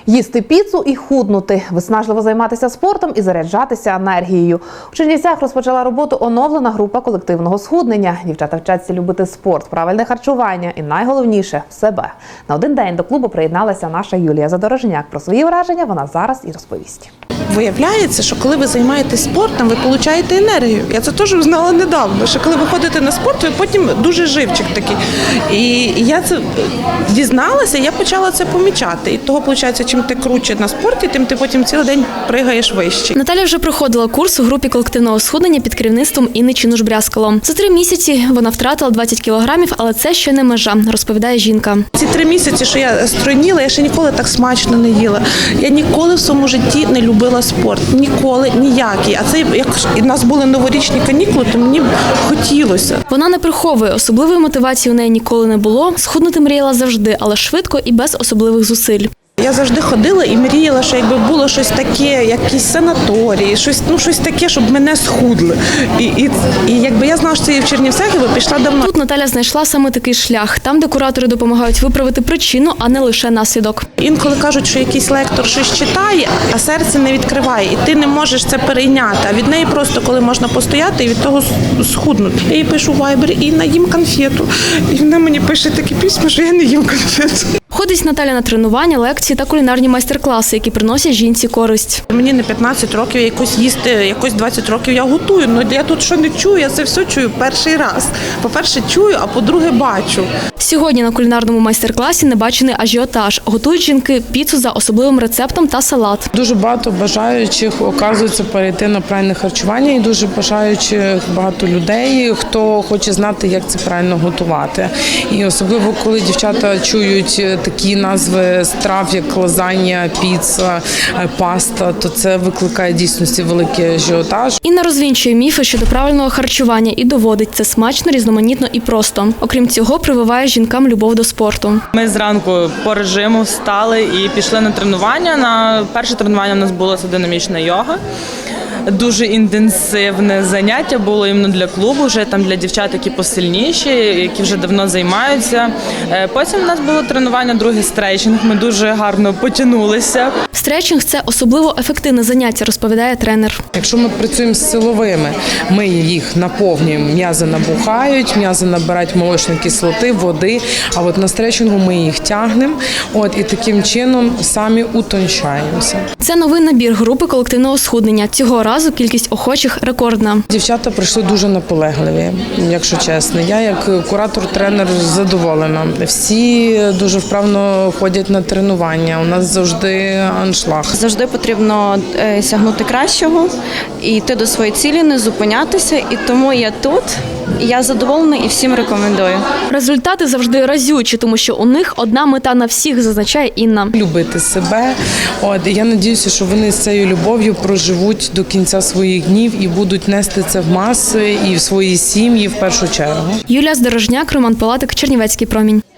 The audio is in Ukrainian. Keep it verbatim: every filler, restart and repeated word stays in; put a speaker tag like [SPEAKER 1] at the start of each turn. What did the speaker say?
[SPEAKER 1] Їсти піцу і худнути, виснажливо займатися спортом і заряджатися енергією. У Чернівцях розпочала роботу оновлена група колективного схуднення. Дівчата вчаться любити спорт, правильне харчування і найголовніше – себе. На один день до клубу приєдналася наша Юлія Задорожняк. Про свої враження вона зараз і розповість.
[SPEAKER 2] Виявляється, що коли ви займаєтесь спортом, ви отримуєте енергію. Я це теж узнала недавно, що коли ви ходите на спорт, ви потім дуже живчик такий. І я це дізналася, я почала це помічати. І того, виходить, чим ти круче на спорті, тим ти потім цілий день пригаєш вище.
[SPEAKER 3] Наталя вже проходила курс у групі колективного схуднення під керівництвом Інни Чинуш-Брязкало. За три місяці вона втратила двадцять кілограмів, але це ще не межа, розповідає жінка.
[SPEAKER 2] Ці три місяці, що я стройніла, я ще ніколи так смачно не їла. Я ніколи в своєму житті не любила спорт. Ніколи, ніякий. А це, як у нас були новорічні канікули, то мені хотілося.
[SPEAKER 3] Вона не приховує, особливої мотивації у неї ніколи не було. Схуднути мріяла завжди, але швидко і без особливих зусиль.
[SPEAKER 2] Я завжди ходила і мріяла, що якби було щось таке, якісь санаторії, щось, ну, щось таке, щоб мене схудли. І, і, і якби я знала, що це є в Чернівцях, я би пішла давно.
[SPEAKER 3] Тут Наталя знайшла саме такий шлях, там, де куратори допомагають виправити причину, а не лише наслідок.
[SPEAKER 2] Інколи кажуть, що якийсь лектор щось читає, а серце не відкриває, і ти не можеш це перейняти. А від неї просто, коли можна постояти і від того схуднути. Я їй пишу в вайбері: Інна, їм конфету. І вона мені пише такі письма, що я не їм конфету.
[SPEAKER 3] Ходить Наталя на тренування, лекції та кулінарні майстер-класи, які приносять жінці користь.
[SPEAKER 2] Мені не п'ятнадцять років, я якось їсти, якось двадцять років я готую. Ну я тут що не чую, я це все чую перший раз. По-перше, чую, а по-друге, бачу.
[SPEAKER 3] Сьогодні на кулінарному майстер-класі небачений ажіотаж. Готують жінки піцу за особливим рецептом та салат.
[SPEAKER 4] Дуже багато бажаючих оказується перейти на правильне харчування і дуже бажаючих багато людей, хто хоче знати, як це правильно готувати. І особливо, коли дівчата чують такі назви страв, як лазанья, піца, паста, то це викликає дійсності великий ажіотаж.
[SPEAKER 3] Інна розвінчує міфи щодо правильного харчування і доводить це смачно, різноманітно і просто. Окрім цього, прививає жінкам любов до спорту.
[SPEAKER 5] Ми зранку по режиму встали і пішли на тренування. На перше тренування у нас була динамічна йога. Дуже інтенсивне заняття було іменно для клубу, вже там для дівчат, які посильніші, які вже давно займаються. Потім у нас було тренування, другий стретчинг, ми дуже гарно потягнулися.
[SPEAKER 3] Стретчинг – це особливо ефективне заняття, розповідає тренер.
[SPEAKER 4] Якщо ми працюємо з силовими, ми їх наповнюємо, м'язи набухають, м'язи набирають молочної кислоти, води, а от на стретчингу ми їх тягнемо, от і таким чином самі утончаємося.
[SPEAKER 3] Це новий набір групи колективного схуднення. Цього разу кількість охочих рекордна.
[SPEAKER 4] Дівчата прийшли дуже наполегливі, якщо чесно. Я як куратор-тренер задоволена. Всі дуже вправно ходять на тренування. У нас завжди аншлаг.
[SPEAKER 6] Завжди потрібно сягнути кращого і йти до своєї цілі, не зупинятися. І тому я тут, і я задоволена і всім рекомендую.
[SPEAKER 3] Результати завжди разючі, тому що у них одна мета на всіх, зазначає Інна.
[SPEAKER 4] Любити себе. От, і я сподіваюся, що вони з цією любов'ю проживуть до кінця своїх днів і будуть нести це в маси і в свої сім'ї в першу чергу.
[SPEAKER 3] Юлія Задорожняк, Роман Палатик, Чернівецький промінь.